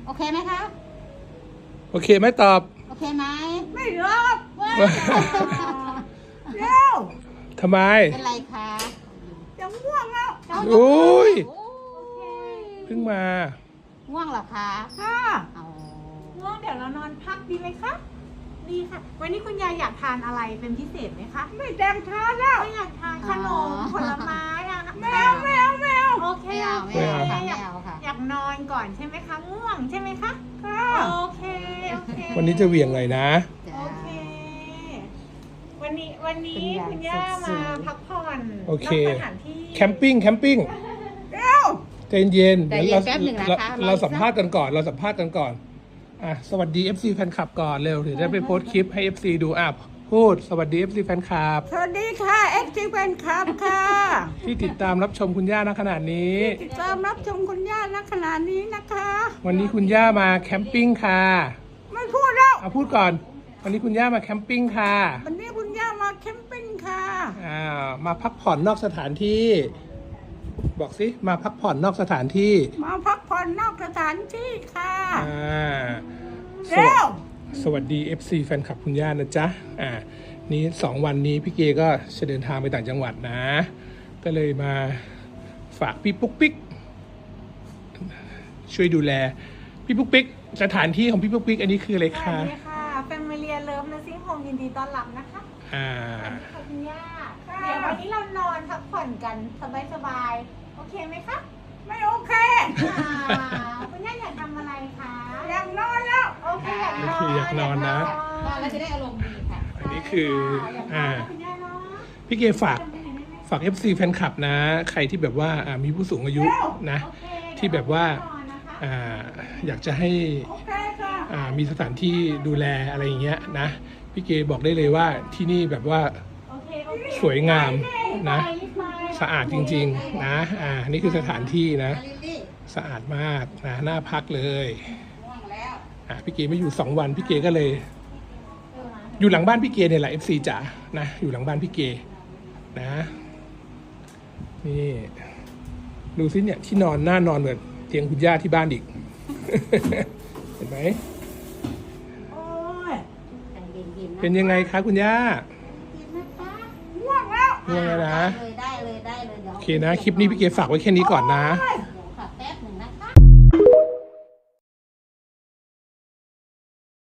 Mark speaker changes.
Speaker 1: โอเคไหมคะ
Speaker 2: โอเคไหมตอบ
Speaker 1: โอเคไหม
Speaker 3: ไม่รับเร็ว
Speaker 2: ทำไม
Speaker 1: เป็นไรคะ
Speaker 3: จะง่วงแล้ว
Speaker 2: โอ้ย
Speaker 1: โอ้ย
Speaker 2: เพิ่งมา
Speaker 1: ง่วงเหรอคะ
Speaker 3: ค่ะ
Speaker 1: เอา
Speaker 4: ง่วงเดี๋ยวเรานอนพักดีไหมคะ ดีค่ะ วันนี้คุณยายอยากทานอะไรเป็นพิเศษไหมคะ
Speaker 3: ไม่แดงช้าแล้ว
Speaker 4: ไม่อยากทานขนมผลไม้อะ
Speaker 3: แมวแมวแมว
Speaker 4: โอเค
Speaker 1: ไม่เอา
Speaker 4: โอ
Speaker 1: ไม่
Speaker 4: เค
Speaker 1: เอาค่ะไม่เอาค่ะ
Speaker 4: อยากนอนก่อนใช่ไหมคะง่วงใช่ไหมคะ
Speaker 3: ค่ะ
Speaker 4: โอเคโอเค
Speaker 2: วันนี้จะเหวี่ยงหน่อยนะ
Speaker 4: โอเค วันนี้คุณย่ามาพักผ่อน
Speaker 2: โอเค
Speaker 4: นอกสถานที่
Speaker 2: แคมปิ้ง
Speaker 3: เร็ว
Speaker 2: ใจเย็น
Speaker 1: ใจ
Speaker 2: เดี๋ยว
Speaker 1: เย็นแป๊บหนึ่งนะคะ
Speaker 2: เราสัมภาษณ์กันก่อน อ่ะ สวัสดี FC แฟนคลับก่อนเร็วถึงได้ไปโพสต์คลิปให้ FC ดูอ่ะพูด สวัสดี FC แฟนคลับ
Speaker 3: สวัสดีค่ะเอ็กซ์เป็นครับค่ะ
Speaker 2: ที่ติดตามรับชมคุณย่าณขณะนี้
Speaker 3: ติดตามรับชมคุณย่าณขณะนี้นะคะ
Speaker 2: วันนี้คุณย่ามาแคมปิ้งค่ะ
Speaker 3: ไม่พูดแล้ว
Speaker 2: เอาพูดก่อน วันนี้คุณย่ามาแคมปิ้งค่ะ
Speaker 3: วันนี้คุณย่ามาแคมปิ้งค่ะ
Speaker 2: มาพักผ่อนนอกสถานที่ บอกสิมาพักผ่อนนอกสถานที่
Speaker 3: มาพักผ่อนนอกสถานที่ค่ะ
Speaker 2: ส
Speaker 3: เร็ว
Speaker 2: สวัสดี FC แฟนคลับคุณย่านะจ๊ะนี้2 วันนี้พี่เกก็จะเดินทางไปต่างจังหวัดนะ ก็เลยมาฝากพี่ปุ๊กปิ๊กช่วยดูแลพี่ปุ๊กปิ๊กสถานที่ของพี่ปุ๊กปิ๊กอันนี้คืออะไร
Speaker 4: สวั
Speaker 2: คะ
Speaker 4: สดีค่ะ Familiar Love Nursing Home ยินดีต้อนรับนะคะ
Speaker 2: อ่า
Speaker 4: สวัสดีค่ะคุณย่า เดี๋ยววันนี้เรานอนพักผ่อนกันสบายๆ โอเคไหมคะ
Speaker 3: ไม่โอเค
Speaker 4: คุณย่าอยากทำอะไรคะ
Speaker 3: อยากนอนแล้ว
Speaker 4: โอเคอยากนอน
Speaker 2: คืออยากนอนนะ
Speaker 1: นอนแล้วจะได้อารมณ์ดีค่ะ
Speaker 2: อันนี้คือ
Speaker 4: อยากนอนนะคุณย่าเนาะ
Speaker 2: พี่เกฝาก FC แฟนคลับนะ ใครที่แบบว่ามีผู้สูงอายุนะ
Speaker 4: โอเค
Speaker 2: ที่แบบว่า
Speaker 4: เดี๋ยเรนอนนะคะ
Speaker 2: อยากจะให้
Speaker 3: โอเคค่ะ
Speaker 2: มีสถานที่ดูแลอะไรอย่างเงี้ยนะพี่เกบอกได้เลยว่าที่นี่แบบว่า
Speaker 4: โอเคโอเค
Speaker 2: สวยงามนะ
Speaker 4: รีบไป
Speaker 2: สะอาดจริงๆนะนี่คือสถานที่นะ
Speaker 1: ลิลลี่
Speaker 2: สะอาดมากนะน่าพักเลย
Speaker 1: ง่วงแล้ว
Speaker 2: พี่เกไม่อยู่2 วันพี่เกก็เลย อยู่หลังบ้านพี่เกเนี่ยแหละ FC จ๋านะอยู่หลังบ้านพี่เกนะนี่ดูสิเนี่ยที่นอนน่านอนเหมือนเตียงคุณย่าที่บ้านอีก เห็นไหม
Speaker 3: โอ้ย
Speaker 1: ใจเย็นๆนะ
Speaker 2: เป็นยังไงคะคุณย่า
Speaker 1: เย็นนะคะ
Speaker 3: ง่วงแล้ว
Speaker 2: ง่วงแล้วนะ
Speaker 1: ได้เลยได้เลยเดี๋ยว
Speaker 2: โอเคนะ คลิปนี้พี่เกฝากไว้แค่นี้ก่อนนะ
Speaker 3: โอ้ย